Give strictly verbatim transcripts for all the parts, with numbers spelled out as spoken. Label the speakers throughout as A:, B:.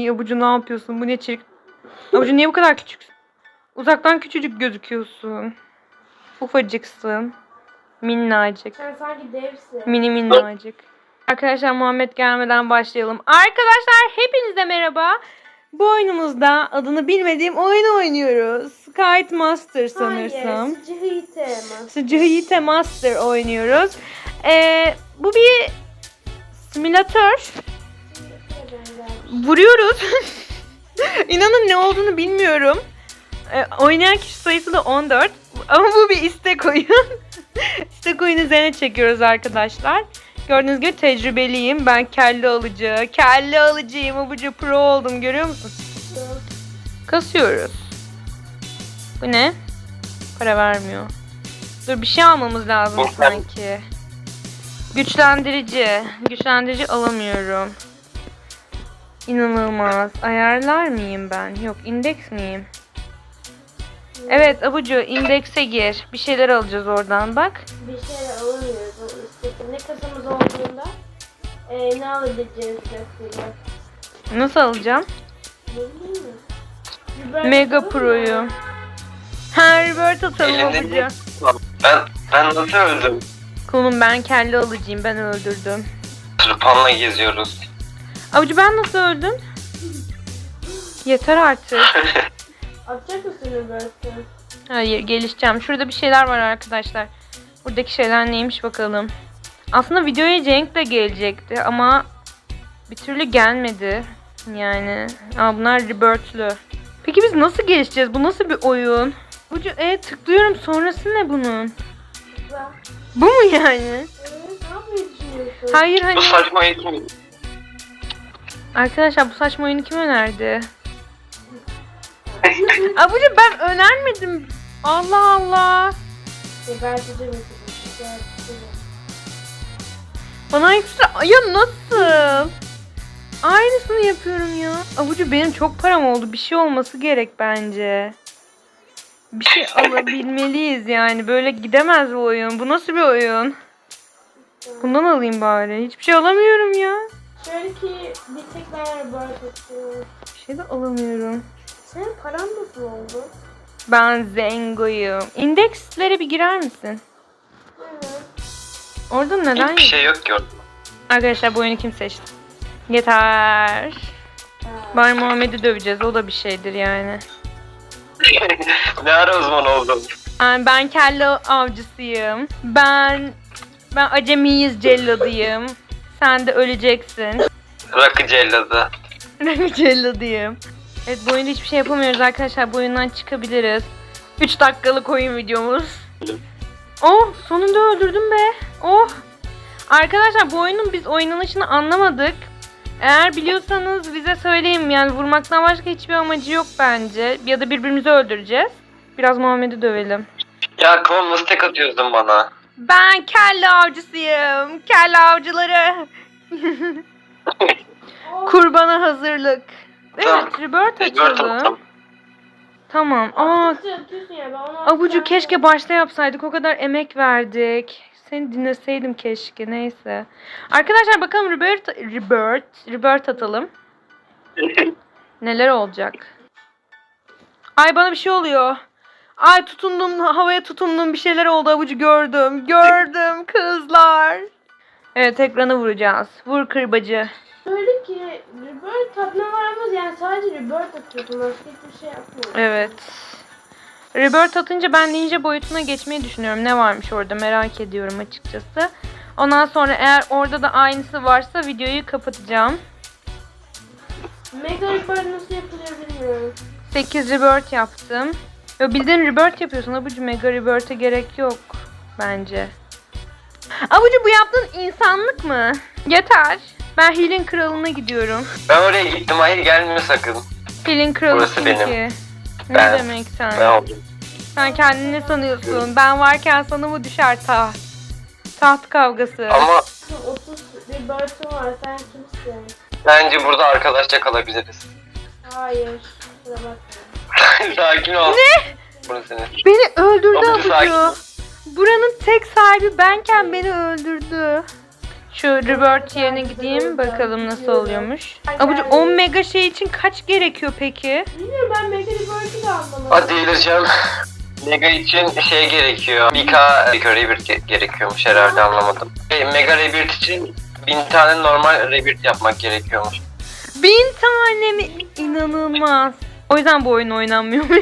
A: Ay Abucu ne yapıyorsun? Bu ne çirkin. Abucu niye bu kadar küçüksün? Uzaktan küçücük gözüküyorsun. Ufacıksın. Minnacık.
B: Sen sanki devsin.
A: Mini minnacık. Arkadaşlar Muhammed gelmeden başlayalım. Arkadaşlar hepinize merhaba. Bu oyunumuzda adını bilmediğim oyunu oynuyoruz. Kite Master sanırsam.
B: Hayır, Sıcıhite Master.
A: Sıcıhite Master oynuyoruz. Ee, bu bir simülatör. Vuruyoruz. İnanın ne olduğunu bilmiyorum. Ee, oynayan kişi sayısı da on dört. Ama bu bir istek oyun. İstek oyunu üzerine çekiyoruz arkadaşlar. Gördüğünüz gibi tecrübeliyim. Ben kelle alıcı. Kelle alıcıyım. Abucu pro oldum. Görüyor musun? Kasıyoruz. Bu ne? Para vermiyor. Dur bir şey almamız lazım sanki. Güçlendirici. Güçlendirici alamıyorum. İnanılmaz. Ayarlar mıyım ben? Yok, indeks miyim? Evet Abucu, indekse gir. Bir şeyler alacağız oradan bak.
B: Bir şeyler alamıyoruz. O istek- Ne kasamız olduğunda e, ne alabileceğimizi gösteriyor.
A: Nasıl alacağım?
B: Ne bileyim mi? Biber
A: Mega
B: atalım
A: Pro'yu.
B: mı?
A: Ha, Rebirth atalım
C: Elinde
A: Abucu.
C: değil. Ben, ben nasıl öldüm?
A: Kulum ben kelle alıcıyım. Ben öldürdüm.
C: Tırpanla geziyoruz.
A: Abucu ben nasıl öldüm? Yeter artık.
B: Atacak mısın Biber'si?
A: Hayır, gelişeceğim. Şurada bir şeyler var arkadaşlar. Buradaki şeyler neymiş bakalım. Aslında videoya Cenk de gelecekti ama bir türlü gelmedi. Yani. Aa, bunlar Rebirth'lü. Peki biz nasıl gelişeceğiz? Bu nasıl bir oyun? Abucu e tıklıyorum. Sonrası ne bunun?
B: Güzel.
A: Bu mu yani?
B: Evet, ne yapmayı düşünüyorsun?
A: Hayır hani.
C: Bu saçma eğitim.
A: Arkadaşlar bu saçma oyunu kim önerdi? Abucu ben önermedim. Allah Allah.
B: Geberteceğim misin?
A: Bana ekstra... Ya nasıl? Aynısını yapıyorum ya. Abucu benim çok param oldu. Bir şey olması gerek bence. Bir şey alabilmeliyiz yani. Böyle gidemez bu oyun. Bu nasıl bir oyun? Bundan alayım bari. Hiçbir şey alamıyorum ya.
B: Şöyle ki bir tek ben Biber atıyorum.
A: Bir şey de alamıyorum.
B: Senin paran nasıl oldu?
A: Ben zengoyum. İndekslere bir girer misin?
B: Evet.
A: Orada neden
C: Hiçbir şey yok ki orada.
A: Arkadaşlar bu oyunu kim seçti? Yeter. Bari Muhammed'i döveceğiz. O da bir şeydir yani.
C: Ne ara uzman oldun?
A: Yani ben kelle avcısıyım. Ben ben acemiyiz celladıyım. Sen de öleceksin.
C: Rakı celladı.
A: Ben celladıyım. Evet bu oyunda hiçbir şey yapamıyoruz arkadaşlar. Bu oyundan çıkabiliriz. üç dakikalık oyun videomuz. Oh sonunda öldürdüm be. Oh. Arkadaşlar bu oyunun biz oynanışını anlamadık. Eğer biliyorsanız bize söyleyin. Yani vurmaktan başka hiçbir amacı yok bence. Ya da birbirimizi öldüreceğiz. Biraz Muhammed'i dövelim.
C: Ya kıvam nasıl tek atıyorsun bana?
A: Ben kelle avcısıyım. Kelle avcıları. Kurbana hazırlık.
C: Tamam.
A: Evet, Rebirth
C: Rebirth
A: açalım.
C: atalım.
A: Tamam. Aa,
B: Atıyorsun, atıyorsun ya, ben onu
A: Abucu
B: atacağım.
A: keşke başta yapsaydık. O kadar emek verdik. Seni dinleseydim keşke. Neyse. Arkadaşlar bakalım Rebirth, Rebirth, Rebirth atalım. Neler olacak? Ay bana bir şey oluyor. Ay tutundum, havaya tutundum, bir şeyler oldu Abucu, gördüm. Gördüm kızlar. Evet ekranı vuracağız. Vur kırbacı.
B: Öyle ki Rebirth tadına varmaz yani, sadece Rebirth atıyorsun, başka hiçbir şey yapmıyorsun.
A: Evet. Rebirth atınca ben ninja boyutuna geçmeyi düşünüyorum. Ne varmış orada merak ediyorum açıkçası. Ondan sonra eğer orada da aynısı varsa videoyu kapatacağım.
B: Mega Rebirth nasıl yapılıyor bilmiyorum.
A: sekiz Rebirth yaptım. Ya bildiğin Rebirth yapıyorsun Abucu, Mega Rebirth'e gerek yok bence. Abucu bu yaptığın insanlık mı? Yeter. Ben Heal'in kralına gidiyorum.
C: Ben oraya gittim, hayır gelmiyor sakın.
A: Heal'in kralı
C: Burası
A: kim
C: benim.
A: ki? Ne
C: Ben-
A: demek sen?
C: Ben oldum.
A: Sen kendini ne sanıyorsun? Ben varken sana mı düşer taht? Taht kavgası.
C: Ama
B: otuz Rebirth'ın var, sen kimsin?
C: bence burada arkadaşça kalabiliriz.
B: Hayır. Kusura bakma.
C: Sakin ol.
A: Ne?
C: Burası senin.
A: Beni öldürdü
C: Abucu sakin ol.
A: Abucu. Buranın tek sahibi benken beni öldürdü. Şu revert yerine gideyim bakalım nasıl oluyormuş. Abucu on mega şey için kaç gerekiyor peki?
B: Bilmiyorum, ben Mega Revert'ı da anlamadım.
C: Hadi delireceğim. Mega için şey gerekiyor. bir K Rebirth ge- gerekiyormuş herhalde, anlamadım. E, Mega Rebirth için bin tane normal Rebirth yapmak gerekiyormuş.
A: Bin tane mi? İnanılmaz. O yüzden bu oyun oynanmıyormuş.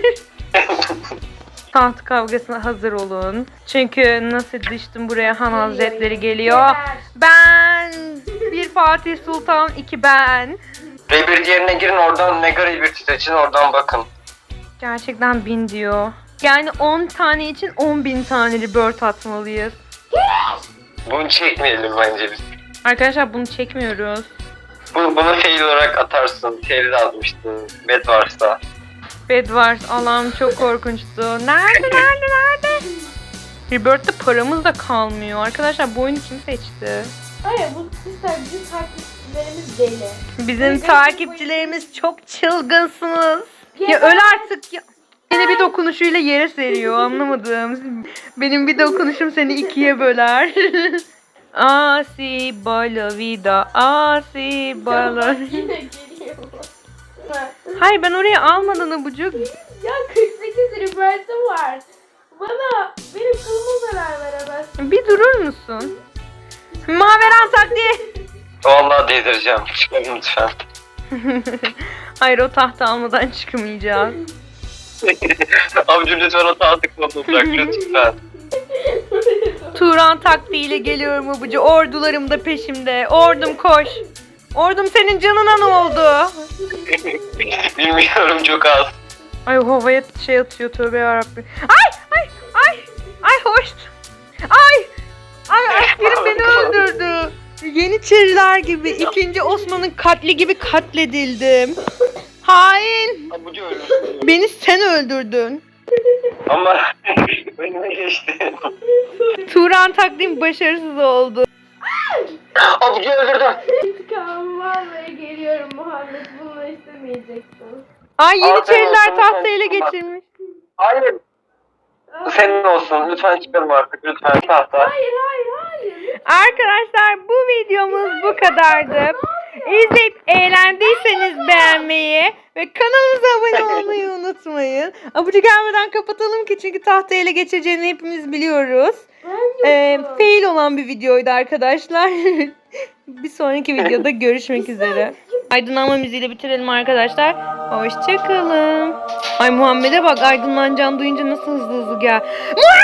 A: Taht kavgasına hazır olun. Çünkü nasıl düştüm buraya, Han Hazretleri geliyor. Ben bir Fatih Sultan, iki ben.
C: Rebirth yerine girin, oradan Mega Rebirth seçin, oradan bakın.
A: Gerçekten bin diyor. Yani on tane için on bin tane rebirth atmalıyız.
C: Bunu çekmeyelim bence biz.
A: Arkadaşlar bunu çekmiyoruz.
C: Bunu, bunu fail olarak atarsın. Fail de atmıştın. Bed varsa.
A: Bedwars, Allah'ım çok korkunçtu. Nerede nerede nerede? Rebirth'te paramız da kalmıyor. Arkadaşlar bu oyunu kim seçti?
B: Hayır, bu sizler bizim takipçilerimiz deli.
A: Bizim takipçilerimiz çok çılgınsınız. Ya öl artık ya. Seni bir dokunuşuyla yere seriyor, anlamadım. Benim bir dokunuşum seni ikiye böler. Asi bala vida, asi bala.
B: Yine geliyor.
A: Hayır, ben oraya almadan abucuk.
B: Ya kırk sekiz Revert'ım var. Bana, benim kılıma zarar veremez.
A: Bir durur musun? Maveran taktiği.
C: Vallahi delireceğim. Çıkalım lütfen.
A: Hayır, o tahta almadan çıkamayacağız.
C: Amcım lütfen o tahtı kolunu bırak lütfen.
A: Turan taktiğiyle geliyorum abucu. Ordularım da peşimde. Ordum koş. Ordum senin canına ne oldu?
C: Bilmiyorum, çok az.
A: Ay havaya şey atıyor, tövbe yarabbim. Ay ay ay ay hoş. Ay ay askerim beni öldürdü. Yeniçeriler gibi ikinci Osman'ın katli gibi katledildim. Hain.
C: Abucu ölürsün.
A: Beni sen öldürdün.
C: Ama önüme geçti.
A: Turan taktiğim başarısız oldu.
C: Abucu öldürdüm.
B: İntikamım vallahi geliyorum Muhammed. Bunu istemeyecektin.
A: Ay Yeniçeriler
C: Aferin,
A: tahtı ele
C: lütfen.
A: geçirmiş.
C: Hayır. Bu senin olsun. Lütfen çıkalım artık. Lütfen tahta.
B: Hayır hayır hayır.
A: Arkadaşlar bu videomuz bu kadardı. İzleyip eğlendiyseniz beğenmeyi ve kanalımıza abone olmayı unutmayın. Abucu gelmeden kapatalım ki çünkü tahtayı ele geçireceğini hepimiz biliyoruz.
B: Ben
A: Ee,
B: yokum.
A: fail olan bir videoydu arkadaşlar. Bir sonraki videoda görüşmek üzere. Aydınlanma müziğiyle bitirelim arkadaşlar. Hoşçakalın. Ay Muhammed'e bak, aydınlanacağını duyunca nasıl hızlı hızlı gel. Muhammed!